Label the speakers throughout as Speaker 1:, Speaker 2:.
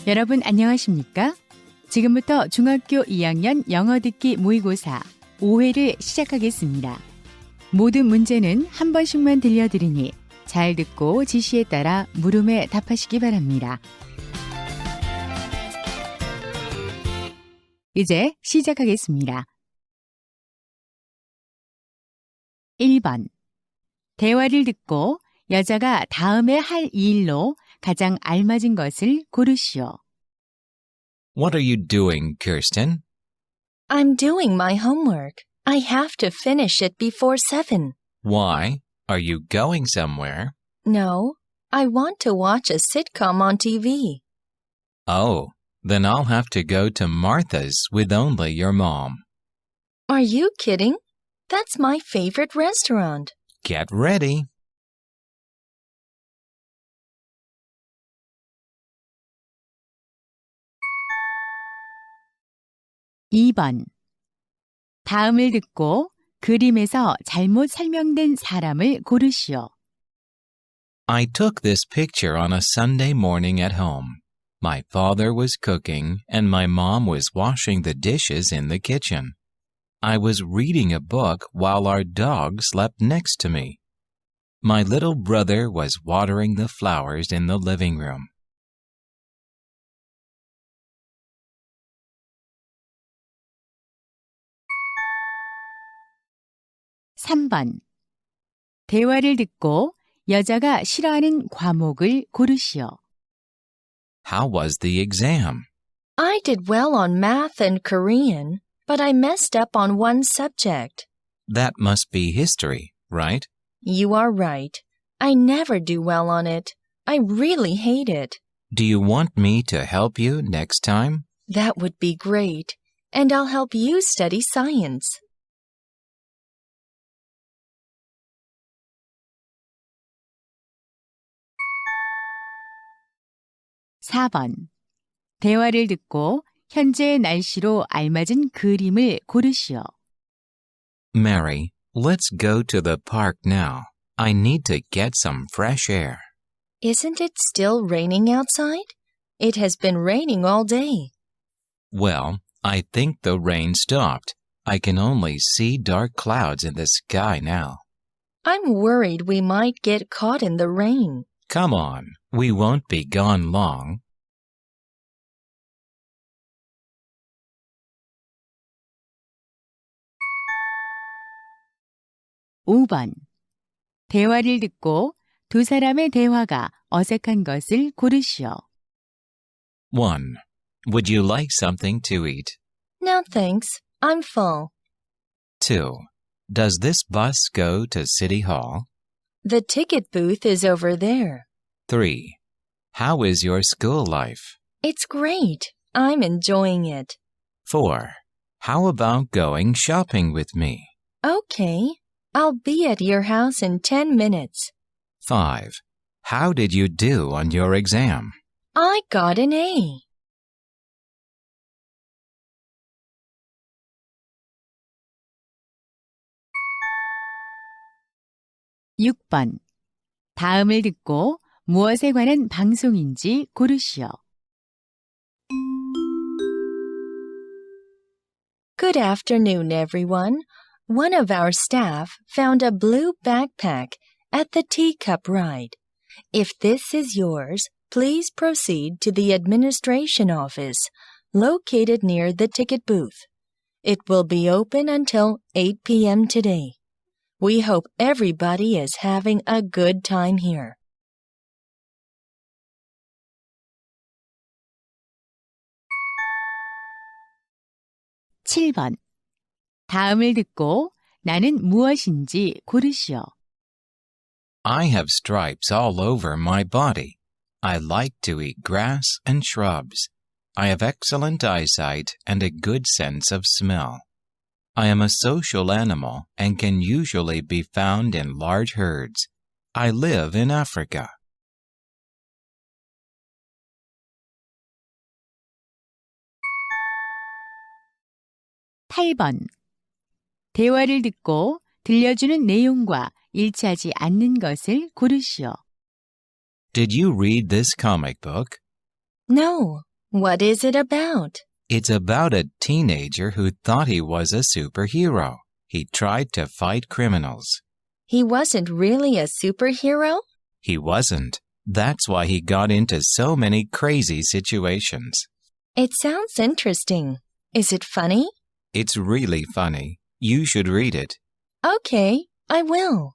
Speaker 1: 여러분 안녕하십니까? 지금부터 중학교 2학년 영어 듣기 모의고사 5회를 시작하겠습니다. 모든 문제는 한 번씩만 들려드리니 잘 듣고 지시에 따라 물음에 답하시기 바랍니다. 이제 시작하겠습니다. 1번. 대화를 듣고 여자가 다음에 할 일로 가장 알맞은 것을 고르시오.
Speaker 2: What are you doing, Kirsten?
Speaker 3: I'm doing my homework. I have to finish it before 7.
Speaker 2: Why? Are you going somewhere?
Speaker 3: No, I want to watch a sitcom on TV.
Speaker 2: Oh, then I'll have to go to Martha's with only your mom.
Speaker 3: Are you kidding? That's my favorite restaurant.
Speaker 2: Get ready.
Speaker 1: (2번) 다음을 듣고 그림에서 잘못 설명된 사람을 고르시오.
Speaker 2: I took this picture on a Sunday morning at home. My father was cooking and my mom was washing the dishes in the kitchen. I was reading a book while our dog slept next to me. My little brother was watering the flowers in the living room.
Speaker 1: 3번. 대화를 듣고 여자가 싫어하는 과목을 고르시오.
Speaker 2: How was the exam?
Speaker 3: I did well on math and Korean, but I messed up on one subject.
Speaker 2: That must be history, right?
Speaker 3: You are right. I never do well on it. I really hate it.
Speaker 2: Do you want me to help you next time?
Speaker 3: That would be great. And I'll help you study science.
Speaker 1: 4번. 대화를 듣고 현재의 날씨로 알맞은 그림을 고르시오.
Speaker 2: Mary, let's go to the park now. I need to get some fresh air.
Speaker 3: Isn't it still raining outside? It has been raining all day.
Speaker 2: Well, I think the rain stopped. I can only see dark clouds in the sky now.
Speaker 3: I'm worried we might get caught in the rain.
Speaker 2: Come on, we won't be gone long.
Speaker 1: (5번) 대화를 듣고 두 사람의 대화가 어색한 것을 고르시오.
Speaker 2: 1. Would you like something to eat?
Speaker 3: No thanks. I'm full.
Speaker 2: 2. Does this bus go to City Hall?
Speaker 3: The ticket booth is over there.
Speaker 2: 3. How is your school life?
Speaker 3: It's great. I'm enjoying it.
Speaker 2: 4. How about going shopping with me?
Speaker 3: Okay. I'll be at your house in 10 minutes.
Speaker 2: 5. How did you do on your exam?
Speaker 3: I got an A.
Speaker 1: (6번) 다음을 듣고 무엇에 관한 방송인지 고르시오.
Speaker 3: Good afternoon, everyone. One of our staff found a blue backpack at the teacup ride. If this is yours, please proceed to the administration office, located near the ticket booth. It will be open until 8 p.m. today. We hope everybody is having a good time here.
Speaker 1: (7번) 다음을 듣고 나는 무엇인지 고르시오.
Speaker 2: I have stripes all over my body. I like to eat grass and shrubs. I have excellent eyesight and a good sense of smell. I am a social animal and can usually be found in large herds. I live in Africa.
Speaker 1: 8번. 대화를 듣고 들려주는 내용과 일치하지 않는 것을 고르시오.
Speaker 2: Did you read this comic book?
Speaker 3: No, What is it about?
Speaker 2: It's about a teenager who thought he was a superhero. He tried to fight criminals.
Speaker 3: He wasn't really a superhero?
Speaker 2: He wasn't. That's why he got into so many crazy situations.
Speaker 3: It sounds interesting. Is it funny?
Speaker 2: It's really funny. You should read it.
Speaker 3: Okay, I will.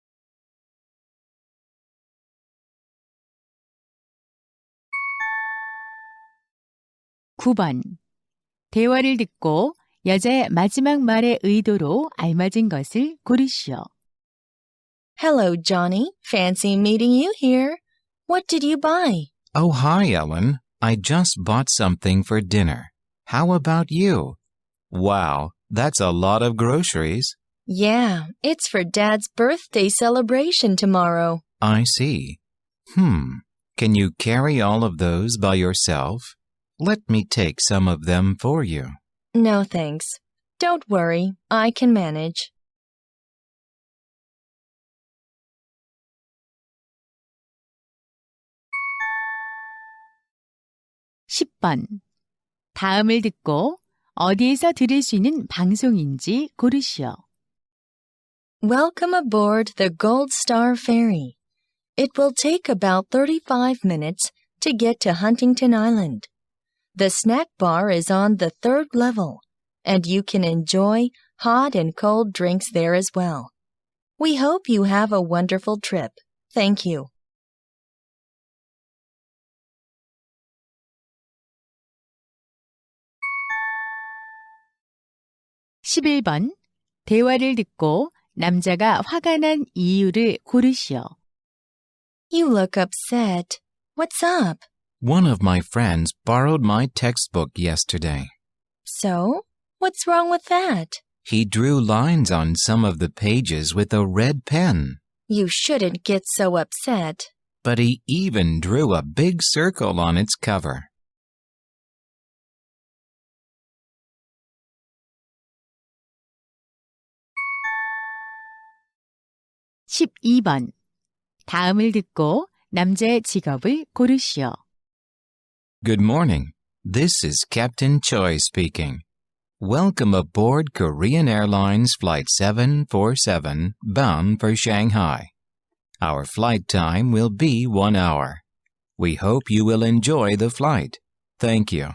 Speaker 1: (9번) 대화를 듣고 여자의 마지막 말의 의도로 알맞은 것을 고르시오.
Speaker 3: Hello, Johnny. Fancy meeting you here. What did you buy?
Speaker 2: Oh, hi, Ellen. I just bought something for dinner. How about you? Wow, that's a lot of groceries.
Speaker 3: Yeah, it's for Dad's birthday celebration tomorrow.
Speaker 2: I see. Can you carry all of those by yourself? Let me take some of them for you.
Speaker 3: No, thanks. Don't worry, I can manage.
Speaker 1: (10번) 다음을 듣고 어디에서 들을 수 있는 방송인지 고르시오.
Speaker 3: Welcome aboard the Gold Star Ferry. It will take about 35 minutes to get to Huntington Island. The snack bar is on the 3rd level, and you can enjoy hot and cold drinks there as well. We hope you have a wonderful trip. Thank you.
Speaker 1: (11번) 대화를 듣고 남자가 화가 난 이유를 고르시오.
Speaker 3: You look upset. What's up?
Speaker 2: One of my friends borrowed my textbook yesterday.
Speaker 3: So? What's wrong with that?
Speaker 2: He drew lines on some of the pages with a red pen.
Speaker 3: You shouldn't get so upset.
Speaker 2: But he even drew a big circle on its cover.
Speaker 1: (12번) 다음을 듣고 남자의 직업을 고르시오.
Speaker 2: Good morning. This is Captain Choi speaking. Welcome aboard Korean Airlines Flight 747 bound for Shanghai. Our flight time will be 1 hour. We hope you will enjoy the flight. Thank you.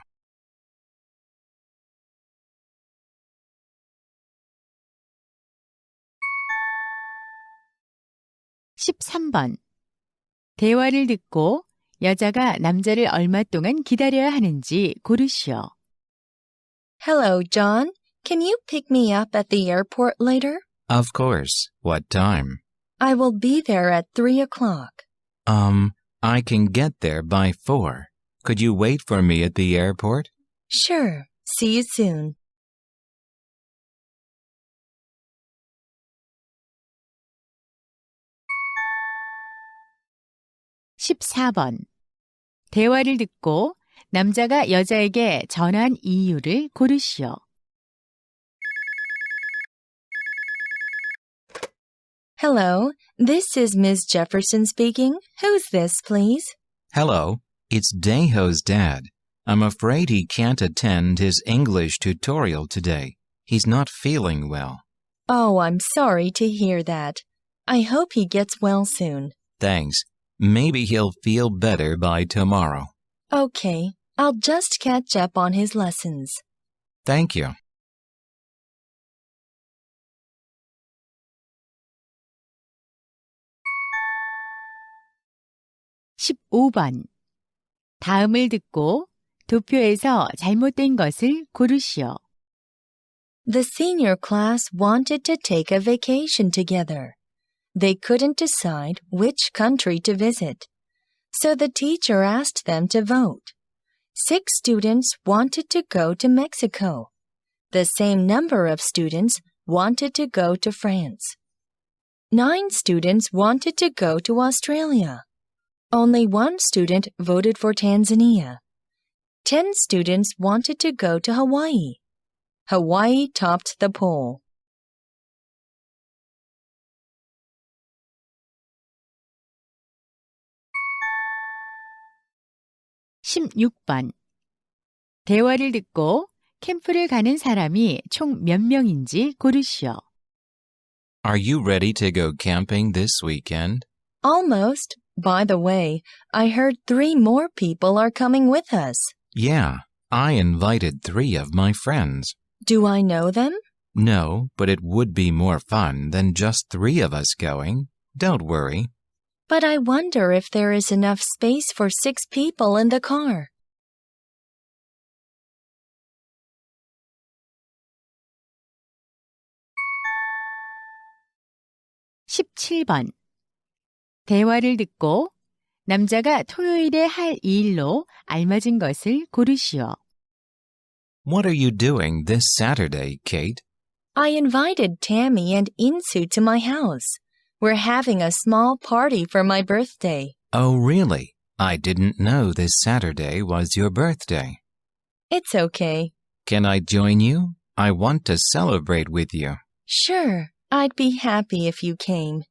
Speaker 1: (13번) 대화를 듣고 여자가 남자를 얼마 동안 기다려야 하는지 고르시오.
Speaker 3: Hello, John. Can you pick me up at the airport later?
Speaker 2: Of course. What time?
Speaker 3: I will be there at 3 o'clock.
Speaker 2: I can get there by 4. Could you wait for me at the airport?
Speaker 3: Sure. See you soon.
Speaker 1: (14번) 대화를 듣고 남자가 여자에게 전화한 이유를 고르시오.
Speaker 3: Hello, this is Ms. Jefferson speaking. Who's this, please?
Speaker 2: Hello, it's Daeho's dad. I'm afraid he can't attend his English tutorial today. He's not feeling well.
Speaker 3: Oh, I'm sorry to hear that. I hope he gets well soon.
Speaker 2: Thanks. Maybe he'll feel better by tomorrow.
Speaker 3: Okay, I'll just catch up on his lessons.
Speaker 2: Thank you.
Speaker 1: (15번) 다음을 듣고 도표에서 잘못된 것을 고르시오.
Speaker 3: The senior class wanted to take a vacation together. They couldn't decide which country to visit. So the teacher asked them to vote. 6 students wanted to go to Mexico. The same number of students wanted to go to France. 9 students wanted to go to Australia. Only 1 student voted for Tanzania. 10 students wanted to go to Hawaii. Hawaii topped the poll.
Speaker 1: (16번) 대화를 듣고 캠프를 가는 사람이 총 몇 명인지 고르시오.
Speaker 2: Are you ready to go camping this weekend?
Speaker 3: Almost. By the way, I heard 3 more people are coming with us.
Speaker 2: Yeah, I invited 3 of my friends.
Speaker 3: Do I know them?
Speaker 2: No, but it would be more fun than just 3 of us going. Don't worry.
Speaker 3: But I wonder if there is enough space for 6 people in the car.
Speaker 1: (17번) 대화를 듣고 남자가 토요일에 할 일로 알맞은 것을 고르시오.
Speaker 2: What are you doing this Saturday, Kate?
Speaker 3: I invited Tammy and Insu to my house. We're having a small party for my birthday.
Speaker 2: Oh, really? I didn't know this Saturday was your birthday.
Speaker 3: It's okay.
Speaker 2: Can I join you? I want to celebrate with you.
Speaker 3: Sure, I'd be happy if you came.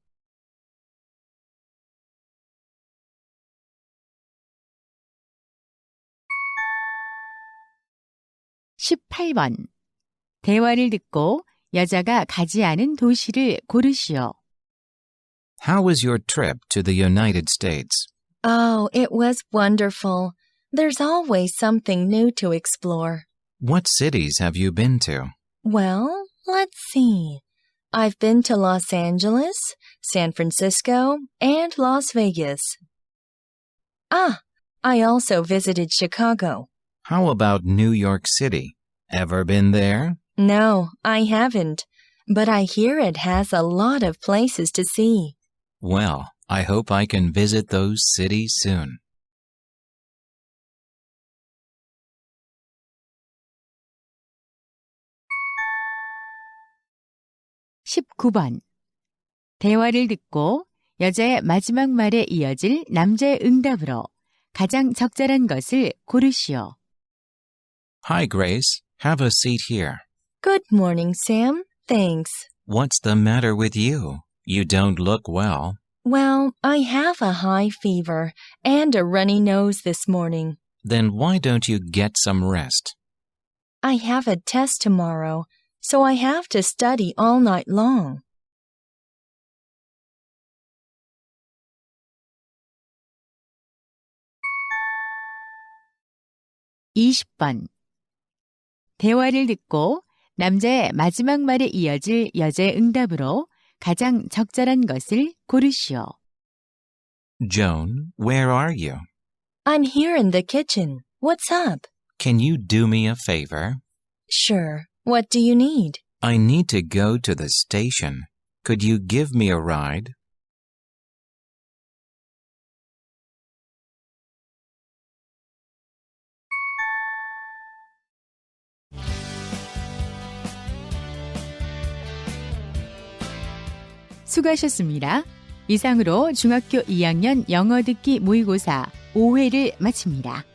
Speaker 1: (18번) 대화를 듣고 여자가 가지 않은 도시를 고르시오.
Speaker 2: How was your trip to the United States?
Speaker 3: Oh, it was wonderful. There's always something new to explore.
Speaker 2: What cities have you been to?
Speaker 3: Well, let's see. I've been to Los Angeles, San Francisco, and Las Vegas. Ah, I also visited Chicago.
Speaker 2: How about New York City? Ever been there?
Speaker 3: No, I haven't, but I hear it has a lot of places to see.
Speaker 2: Well, I hope I can visit those cities soon.
Speaker 1: (19번) 대화를 듣고 여자의 마지막 말에 이어질 남자의 응답으로 가장 적절한 것을 고르시오.
Speaker 2: Hi, Grace. Have a seat here.
Speaker 3: Good morning, Sam. Thanks.
Speaker 2: What's the matter with you? You don't look well.
Speaker 3: Well, I have a high fever and a runny nose this morning.
Speaker 2: Then why don't you get some rest?
Speaker 3: I have a test tomorrow, so I have to study all night long.
Speaker 1: (20번) 대화를 듣고 남자의 마지막 말에 이어질 여자의 응답으로 가장 적절한 것을 고르시오.
Speaker 2: Joan, where are you?
Speaker 3: I'm here in the kitchen. What's up?
Speaker 2: Can you do me a favor?
Speaker 3: Sure. What do you need?
Speaker 2: I need to go to the station. Could you give me a ride?
Speaker 1: 수고하셨습니다. 이상으로 중학교 2학년 영어 듣기 모의고사 5회를 마칩니다.